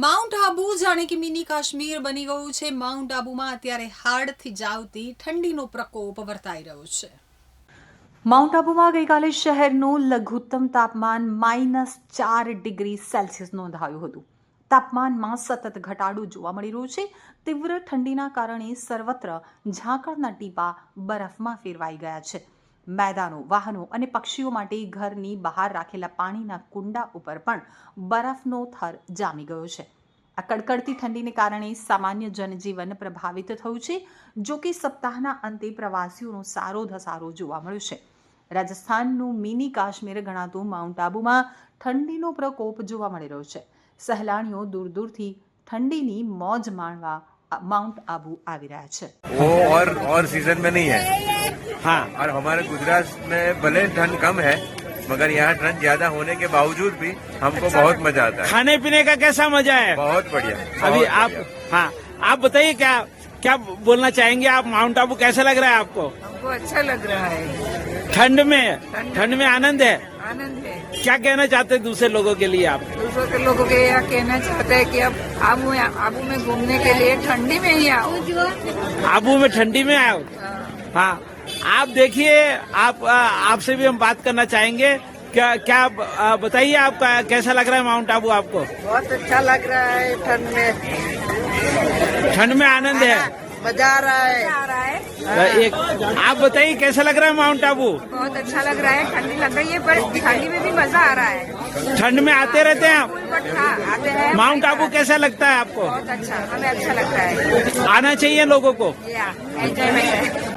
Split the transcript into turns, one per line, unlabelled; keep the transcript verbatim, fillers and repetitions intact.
Mount Abu જાણે કે mini Kashmir બની ગયું છે। માઉન્ટ આબુમાં અત્યારે હાડથી જાવતી ઠંડીનો પ્રકોપ વર્તાઈ રહ્યો છે।
માઉન્ટ આબુમાં ગઈકાલે શહેરનું લઘુત્તમ તાપમાન માઇનસ ચાર ડિગ્રી સેલ્સિયસ નોંધાયું હતું। તાપમાનમાં સતત ઘટાડો જોવા મળી રહ્યો છે। તીવ્ર ઠંડીના કારણે સર્વત્ર ઝાકળના ટીપા બરફમાં ફેરવાઈ ગયા છે। मैदानों, वाहनों અને પક્ષીઓ માટે ઘરની બહાર રાખેલા પાણીના કુંડા ઉપર પણ બરફનો થર જામી ગયો છે। આ કડકડતી ઠંડીને કારણે સામાન્ય જનજીવન પ્રભાવિત થયું છે। જો કે સપ્તાહના અંતે પ્રવાસીઓનો સારો ધસારો જોવા મળ્યો છે। રાજસ્થાનનું મિની કાશ્મીર ગણાતું માઉન્ટ આબુમાં ઠંડીનો પ્રકોપ જોવા મળી રહ્યો છે। સહેલાણીઓ દૂર દૂરથી ઠંડીની મોજ માણવા माउंट आबू આવી રહ્યા છે।
वो और और सीजन में नहीं है। हाँ, और हमारे गुजरात में भले ठंड कम है मगर यहाँ ठंड ज्यादा होने के बावजूद भी हमको अच्छा बहुत मजा आता है।
खाने पीने का कैसा मजा है?
बहुत बढ़िया।
अभी आप हाँ आप बताइए क्या क्या बोलना चाहेंगे आप? माउंट आबू कैसा लग रहा है आपको?
हमको अच्छा लग रहा है।
ठंड में ठंड में आनंद है।
आनंद है।
क्या कहना चाहते हैं दूसरे लोगों के लिए आप?
दूसरों के लोगों के यह कहना चाहते हैं कि अब आबू आबू में घूमने के लिए ठंडी में ही आओ।
आबू में ठंडी में आओ। हाँ, आप देखिए, आप आपसे भी हम बात करना चाहेंगे। क्या क्या बताइए, आपका कैसा लग रहा है माउंट आबू आपको?
बहुत अच्छा लग रहा है। ठंड में
ठंड में आनंद है,
मजा आ रहा है। आ रहा है।
एक आप बताइए कैसा लग रहा है माउंट आबू?
बहुत अच्छा लग रहा है। ठंडी लग रही है पर ठंडी में भी मजा आ रहा है।
ठंड में आते रहते हैं आप?
बट हाँ, आते हैं।
माउंट आबू कैसा लगता है आपको?
बहुत अच्छा, हमें अच्छा लगता है।
आना चाहिए लोगों को।
या एंजॉयमेंट है।